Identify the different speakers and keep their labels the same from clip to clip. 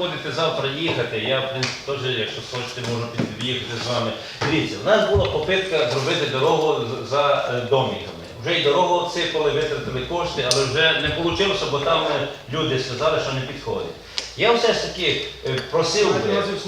Speaker 1: будете завтра їхати, я, в принципі, теж, якщо хочете, можу під'їхати з вами. Дивіться, у нас була попитка зробити дорогу за домиками. Вже й дорогу отсипали, витратили кошти, але вже не вийшло, бо там люди сказали, що не підходить. Я все ж таки просив би...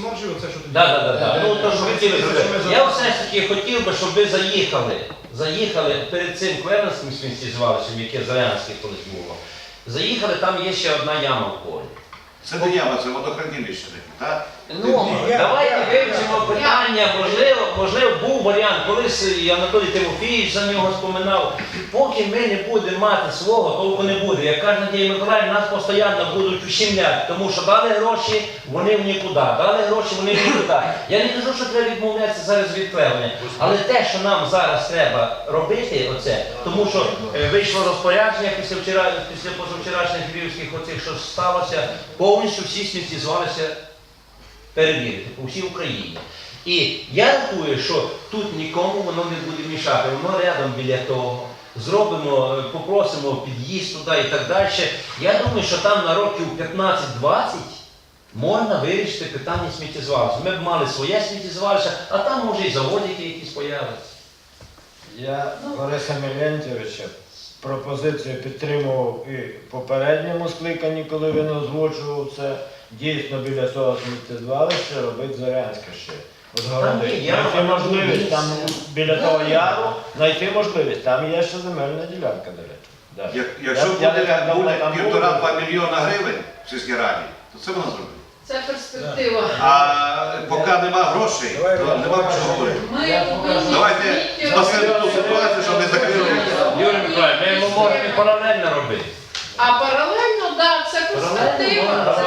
Speaker 1: Я все ж таки хотів би, щоб ви заїхали перед цим Кверненським сміттєзвалищем, яке Зарянське колись було. Заїхали, там є ще одна яма в полі.
Speaker 2: Це не яма, це водохранилище таке, так?
Speaker 1: Ну, давайте вивчимо питання, можливо, був варіант, колись і Анатолій Тимофійович за нього споминав, поки ми не будемо мати свого, толку не буде. Як каже Надія Миколаївна, нас постійно будуть ущемляти, тому що дали гроші, вони в нікуди, дали гроші, вони в нікуди. Я не кажу, що треба відмовлятися зараз від клевання, але те, що нам зараз треба робити, оце, тому що вийшло розпорядження після позавчорашніх львівських оцих, що сталося, повністю всі сміттєзвалища перевірити по всій Україні. І я рахую, що тут нікому воно не буде мішати, воно рядом біля того. Зробимо, попросимо під'їзд туди і так далі. Я думаю, що там на років 15-20 можна вирішити питання сміттєзвалища. Ми б мали своє сміттєзвалище, а там може і заводики якісь появляться.
Speaker 3: Я Бориса Мілентьовича пропозицію підтримував і в попередньому скликанні, коли він озвучував це. Дійсно біля цього сміттєзвалища робить Зарянське ще. Знайти можливість там біля того яру, знайти можливість. Там є ще земельна ділянка, до речі.
Speaker 2: Якщо буде 1,5–2 мільйона гривень в сільській раді, то це вона зробить.
Speaker 4: Це перспектива.
Speaker 2: А поки нема грошей, то нема про що говорити. Давайте спасемо ту ситуацію, щоб не закрили.
Speaker 1: Юрій Миколаївич, ми можемо паралельно робити.
Speaker 4: А паралельно, так, це перспектива.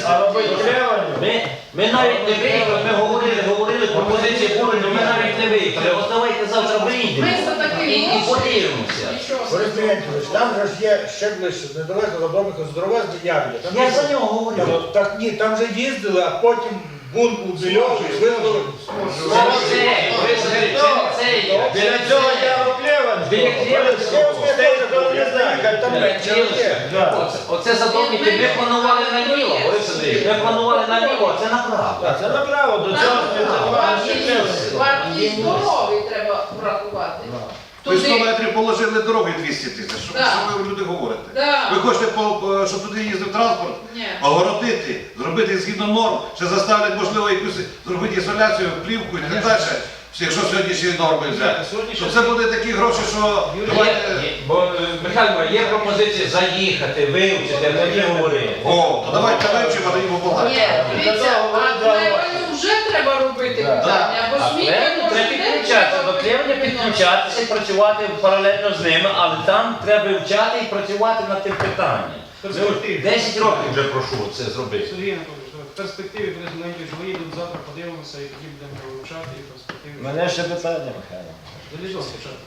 Speaker 1: Ми навіть не виїхали, ми говорили, пропозиції були, але ми навіть не виїхали. От давайте завтра виїдемо і подивимося.
Speaker 5: Борис Мілентьович, там же ж є ще ближче, недалеко за домиком здоровезний Явля.
Speaker 1: Я за нього говорю.
Speaker 5: Так ні, там же їздили, а потім бунт у Більові, визвали.
Speaker 3: Біля цього яру
Speaker 1: Оце задовники, ми планували наліво, Борис Андрійович, ми планували наліво, а це направо.
Speaker 3: Це направо, до цього
Speaker 4: Вартість дороги треба врахувати.
Speaker 2: Ви 100 метрів положили дороги 200 тисяч. Що ви люди говорите? Ви хочете, щоб туди їздив транспорт? Огородити, зробити згідно норм, ще заставлять, можливо, якусь зробити ізоляцію, плівку і так далі. Якщо сьогоднішні норми взяти. Що це буде такі гроші, що...
Speaker 1: Михайло, є пропозиція заїхати, вивчити, а тоді говорити.
Speaker 2: О, то давайте вивчимо, а тоді побагато.
Speaker 4: Ні, дивіться, а клеванню вже треба робити питання, бо сміття
Speaker 1: треба підключатися, до клевання підключатися і працювати паралельно з ними, але там треба вивчати і працювати над тим питанням. 10 років вже прошу це зробити.
Speaker 6: Сергій Анатолійович, в перспективі президентів виїдуть, завтра подивимося і тоді будемо вивчати і в перспективі.
Speaker 3: Мене ще питання, Михайло.
Speaker 6: Залізо спочатку.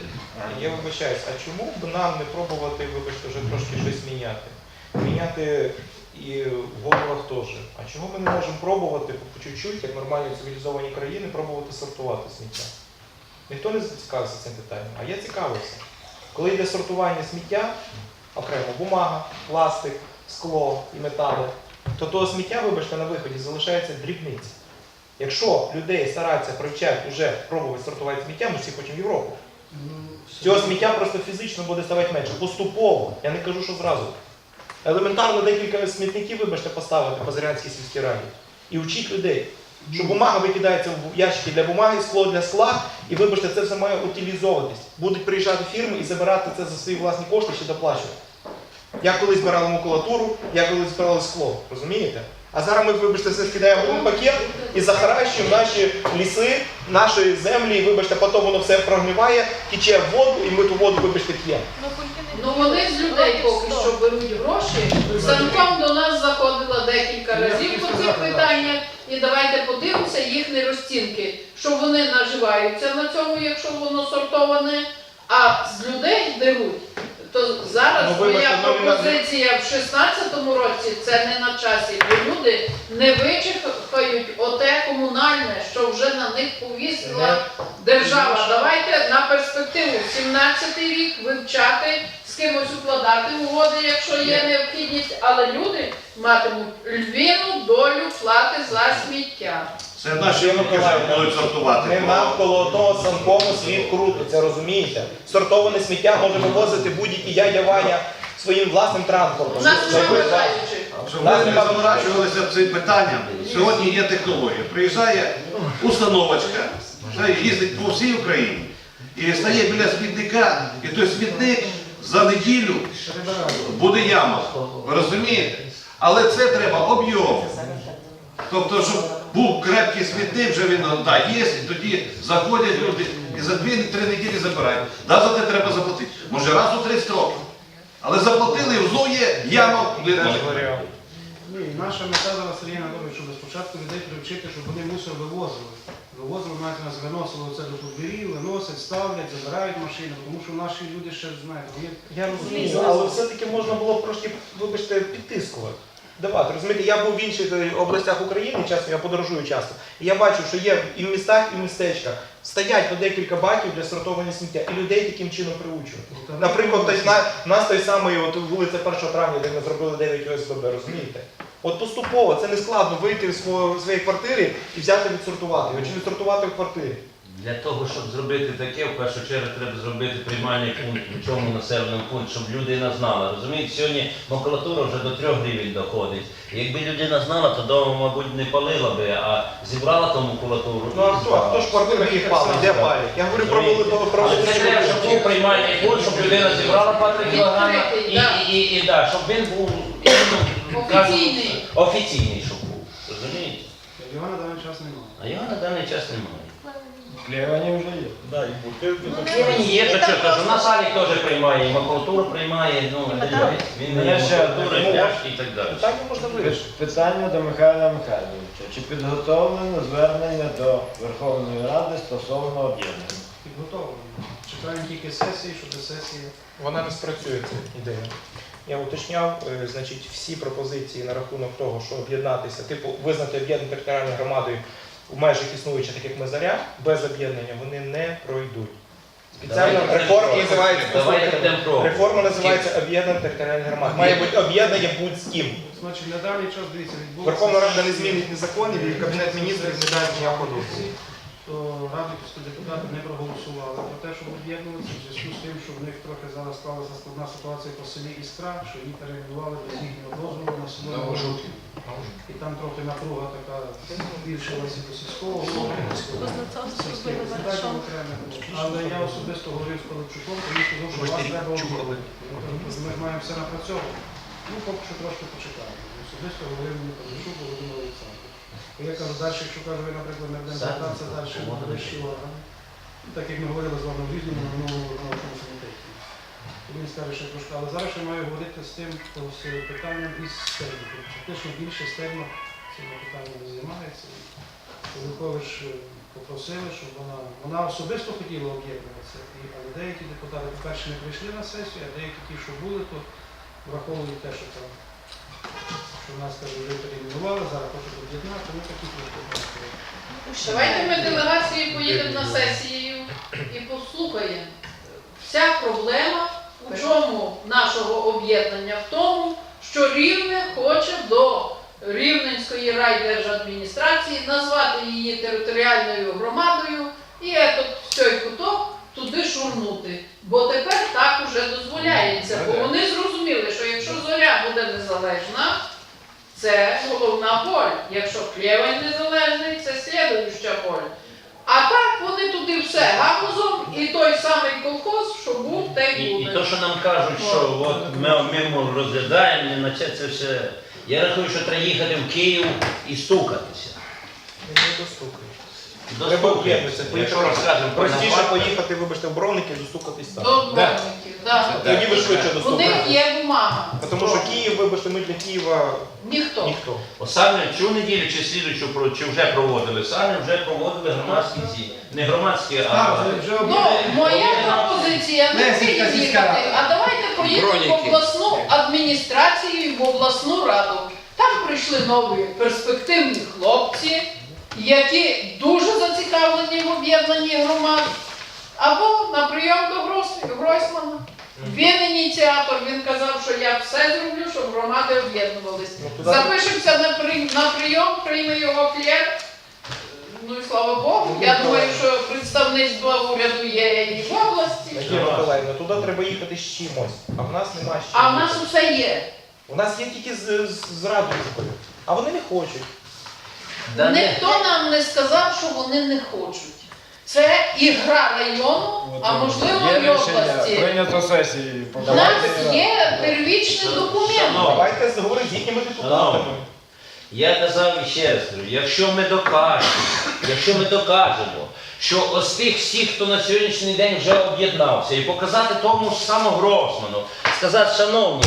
Speaker 7: Я вибачаюсь, а чому б нам не пробувати, вибачте, вже трошки щось міняти? Міняти і в головах теж. А чому ми не можемо пробувати по чуть-чуть, як нормальні цивілізовані країни, пробувати сортувати сміття? Ніхто не зацікавився цим питанням, а я цікавився. Коли йде сортування сміття, окремо бумага, пластик, скло і метали, то того сміття, вибачте, на виході залишається дрібниця. Якщо людей стараються привчати вже пробувати сортувати сміття, ми всі хочемо в Європу. Цього сміття просто фізично буде ставати менше. Поступово. Я не кажу, що зразу. Елементарно декілька смітників, вибачте, поставити по Зарянській сільській раді. І вчіть людей, що бумага викидається в ящики для бумаги, скло для скла, і, вибачте, це все має утилізовуватись. Будуть приїжджати фірми і забирати це за свої власні кошти, ще доплачувати. Я колись збирали макулатуру, я колись збирали скло. Розумієте? А зараз ми, вибачте, все скидаємо в один пакет і захаращуємо наші ліси, наші землі, і, вибачте, потім воно все прогниває, тече в воду, і ми ту воду, вибачте, п'ємо.
Speaker 4: Ну вони з людей поки що беруть гроші. Санком до нас заходила декілька разів по цих питаннях, і давайте подивимося їхні розцінки, що вони наживаються на цьому, якщо воно сортоване, а з людей беруть. то зараз
Speaker 7: Ну, вибачте,
Speaker 4: моя
Speaker 7: ну,
Speaker 4: пропозиція в 16-му році це не на часі, бо люди не вичекають оте комунальне, що вже на них повісила держава. Давайте на перспективу 17-й рік вивчати, з кимось укладати угоди, якщо є необхідність, але люди матимуть львіну долю плати за сміття.
Speaker 2: Це наші люди вже будуть сортувати.
Speaker 7: Не навколо одного санкому світ крутиться, розумієте? Сортоване сміття може вивозити будь-який дядя Ваня своїм власним
Speaker 4: У
Speaker 7: транспортом.
Speaker 4: нас немає бажаючих.
Speaker 2: Щоб ми не заморачувалися цим питанням, сьогодні є технологія. Приїжджає установочка, їздить по всій Україні і стає біля смітника, і той смітник за неділю буде яма. Ви розумієте? Але це треба об'єм. Тобто, щоб був крепкий смітник, вже він є, і тоді заходять люди і за 2-3 неділі забирають. За те треба заплатити. Може раз у 30 років. Але заплатили, і знову є яма.
Speaker 6: Ні, наша мета зараз, Сергій Анатолійович, щоб спочатку людей привчити, щоб вони мусор вивозили. Вивозили, навіть нас виносили це до подвір'їв, виносять, ставлять, забирають машини, тому що наші люди ще, знаєте, вони...
Speaker 7: Я розумію, але все-таки можна було б трошки, вибачте, підтискувати. Давати, розумієте, я був в інших областях України, чесно, я подорожую часто, і я бачу, що є і в містах, і в містечках стоять по декілька баків для сортування сміття, і людей таким чином приучують. Наприклад, у нас той самий от, вулиця 1 травня, де ми зробили 9 ОСББ, розумієте? От поступово, це не складно вийти з своєї квартири і взяти відсортувати його, чи відсортувати в квартирі.
Speaker 1: Для того, щоб зробити таке, в першу чергу треба зробити приймальний пункт у цьому населеному пункті, щоб людина знала. Розумієте, сьогодні макулатура вже до 3 гривень доходить. І якби людина знала, то вдома, мабуть, не палила би, а зібрала ту макулатуру.
Speaker 7: Ну а хто ж в квартирах їх палить? Де палять? Я говорю про
Speaker 1: Але це треба, щоб був приймальний пункт, щоб людина зібрала по 3 кілограми і щоб він був
Speaker 4: Офіційний.
Speaker 1: офіційний, щоб був. Розумієте?
Speaker 6: Його на даний час немає.
Speaker 1: А його на даний час немає.
Speaker 3: Клевані вже є. Да, і бутилки.
Speaker 1: Він є, то що, кажу, на салі теж приймає, і макулатуру приймає, ну, він не
Speaker 3: Я
Speaker 1: є
Speaker 3: ще
Speaker 1: макулатури,
Speaker 3: одне.
Speaker 1: пляшки і так далі.
Speaker 7: питання можна вирішити.
Speaker 3: Питання до Михайла Михайловича. Чи підготовлено звернення до Верховної Ради стосовно об'єднання?
Speaker 6: Підготовлено. Чекаємо тільки сесії, щоб до сесії...
Speaker 7: Вона не спрацює, ця ідея. Я уточняв, значить, всі пропозиції на рахунок того, що об'єднатися, типу визнати об'єднану територіальною громадою в межах існуючих, так як ми Заря, без об'єднання вони не пройдуть. Спеціальна реформа називається, реформа називається об'єднана територіальна громада. Має бути об'єднання будь з ким.
Speaker 6: Значить, на даний час, дивіться, відбулося...
Speaker 7: Верховна Рада не змінить ні законів, і Кабінет міністрів не дасть ніякого дозволу.
Speaker 6: То радиківські депутати не проголосували про те, щоб об'єднуватися, в зв'язку з тим, що в них трохи зараз склалася складна ситуація по селі Іскра, що її перейменували без їхнього дозволу на село Новожуки. І там трохи напруга така збільшилася до сільського сільських результатів окремих. Але я особисто говорив з Пилипчуком, то він сказав, що вас треба об'єднувати. Ми ж маємо все напрацьовувати. Ну, поки що трошки почекаємо. Особисто говорив мені Пилипчук, Володимир Олександрович. Я кажу, далі, якщо кажу, ви, наприклад, не будемо звертатися далі на вищі органи, так як ми говорили з вами в різному на минулому виконавчому комітеті. Він скаже, що трошки, але зараз я маю говорити з тим, з питанням із стерну. Фактично більше стерно цим питанням не займається. Пилипович попросили, щоб вона особисто хотіла об'єднуватися, але деякі депутати, по-перше, не прийшли на сесію, а деякі ті, що були, то враховують те, що там. Що нас, каже, вже перейменували, зараз хочуть об'єднати, ми такі просто.
Speaker 4: Давайте ми делегації поїдемо на сесію і послухаємо. Вся проблема у чому нашого об'єднання? В тому, що Рівне хоче до Рівненської райдержадміністрації назвати її територіальною громадою і цей куток туди шурнути. Бо тепер так уже дозволяється. Бо вони зрозуміли, що якщо Зоря буде незалежна, це головна поль. Якщо Клєвань незалежний, це слідуюча поль. А так вони туди все гамузом і той самий колхоз, що був, те й буде.
Speaker 1: І то, що нам кажуть, що от ми розглядаємо, не наче це все. Я рахую, що треба їхати в Київ і стукатися.
Speaker 7: Не достукаєш.
Speaker 1: Треба
Speaker 7: об'єднатися. Простіше поїхати, вибачте, в Бровники і достукатись там.
Speaker 4: До Бровників, так.
Speaker 7: Тоді ви швидше
Speaker 4: У
Speaker 7: достукаєте.
Speaker 4: них є Київмага.
Speaker 7: Тому що Київ, вибачте, ми для Києва
Speaker 4: Ніхто.
Speaker 7: ніхто.
Speaker 1: Саме цю неділю чи слідуючу, чи вже проводили, саме вже проводили громадські ці, не громадські, а
Speaker 4: Ну, моя пропозиція не
Speaker 5: Лесівська
Speaker 4: Київ
Speaker 5: сільська
Speaker 4: їхати,
Speaker 5: рада.
Speaker 4: а давайте поїдемо в обласну адміністрацію і в обласну раду. Там прийшли нові перспективні хлопці, які дуже зацікавлені в об'єднанні громад. Або на прийом до Гройсмана. Він ініціатор, він казав, що я все зроблю, щоб громади об'єднувались. Запишемося на прийом, прийме його клєр. Ну і слава Богу. Я думаю, що представництво уряду є і в області.
Speaker 7: Надія Миколаївна, туди треба їхати з чимось, а в нас немає з чим.
Speaker 4: А в нас усе є.
Speaker 7: У нас є тільки з радужкою, а вони не хочуть.
Speaker 1: Да ні.
Speaker 4: Ніхто нам не сказав, що вони не хочуть. Це і гра району, а можливо
Speaker 3: Є
Speaker 4: і
Speaker 3: рішення,
Speaker 4: області.
Speaker 3: прийнято сесії.
Speaker 4: У нас є первічний документ.
Speaker 7: Давайте говорити з їхніми депутатами.
Speaker 1: Я казав і ще раз кажу, якщо ми докажемо, що ось тих всіх, хто на сьогоднішній день вже об'єднався, і показати тому ж самому Гросману, сказати, шановні,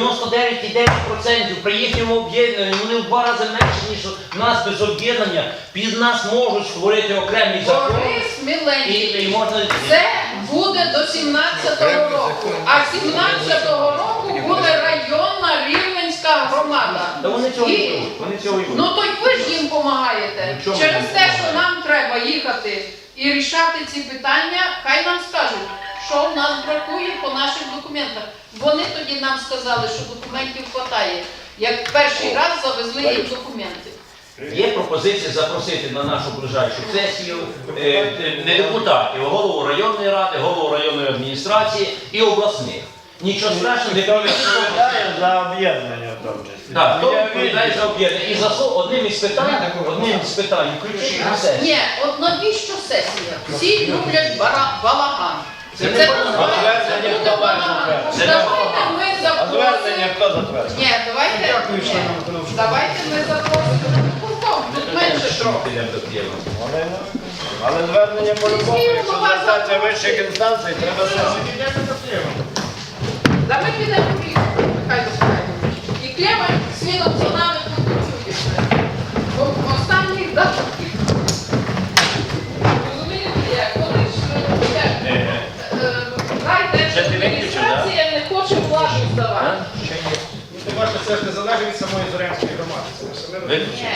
Speaker 1: 99,9% при їхньому об'єднанні, вони в 2 рази менше, ніж у нас без об'єднання, під нас можуть створити окремі закони.
Speaker 4: Борис Міленький.
Speaker 1: І можна...
Speaker 4: Це буде до 17-го року. А 17-го року буде районна Рівненська громада.
Speaker 1: Та вони цього
Speaker 4: І-
Speaker 1: і будуть, вони цього і будуть.
Speaker 4: Ну то й ви ж їм допомагаєте.
Speaker 1: Ну, чому
Speaker 4: Через
Speaker 1: ми
Speaker 4: те, що
Speaker 1: допомагаємо?
Speaker 4: нам треба їхати і рішати ці питання, хай нам скажуть, що в нас бракує по наших документах. Вони тоді нам сказали, що документів вистачає. Як перший раз завезли їм документи.
Speaker 1: Є пропозиція запросити на нашу ближайшу сесію не депутатів, а голову районної ради, голову районної адміністрації і обласних. Нічого страшного, не
Speaker 3: Хто відповідає за об'єднання в тому числі?
Speaker 1: Так, хто
Speaker 3: Я
Speaker 1: відповідає за об'єднання? І за одним із питань, включити на сесію.
Speaker 4: Ні, от навіщо сесія? Всі люблять балаган.
Speaker 1: Це не
Speaker 4: Це
Speaker 1: балаган.
Speaker 4: називається
Speaker 3: Звернення
Speaker 4: буде
Speaker 3: хто має
Speaker 4: балаган.
Speaker 3: затвердити?
Speaker 1: Це не
Speaker 4: Давайте ми
Speaker 3: А звернення
Speaker 4: запросимо.
Speaker 3: хто затвердив?
Speaker 4: Ні, давайте.
Speaker 5: Дякую,
Speaker 4: ні.
Speaker 5: членам виконавчого.
Speaker 4: Давайте ми запросимо виконком. Тут менше трохи.
Speaker 3: Вони не виконують. Але звернення по-любому, якщо звертатися вищих інстанцій, треба сесію.
Speaker 4: Да ми підемо в Рівне, хай допомагаємо. І Клема свідом за нами тут працює. Бо останніх датах. Розумієте, як? Вони ж райдержадміністрація не хоче владу здавати.
Speaker 6: Тим паче, це ж не залежить від самої Зорянської громади. Це все
Speaker 1: Виключно.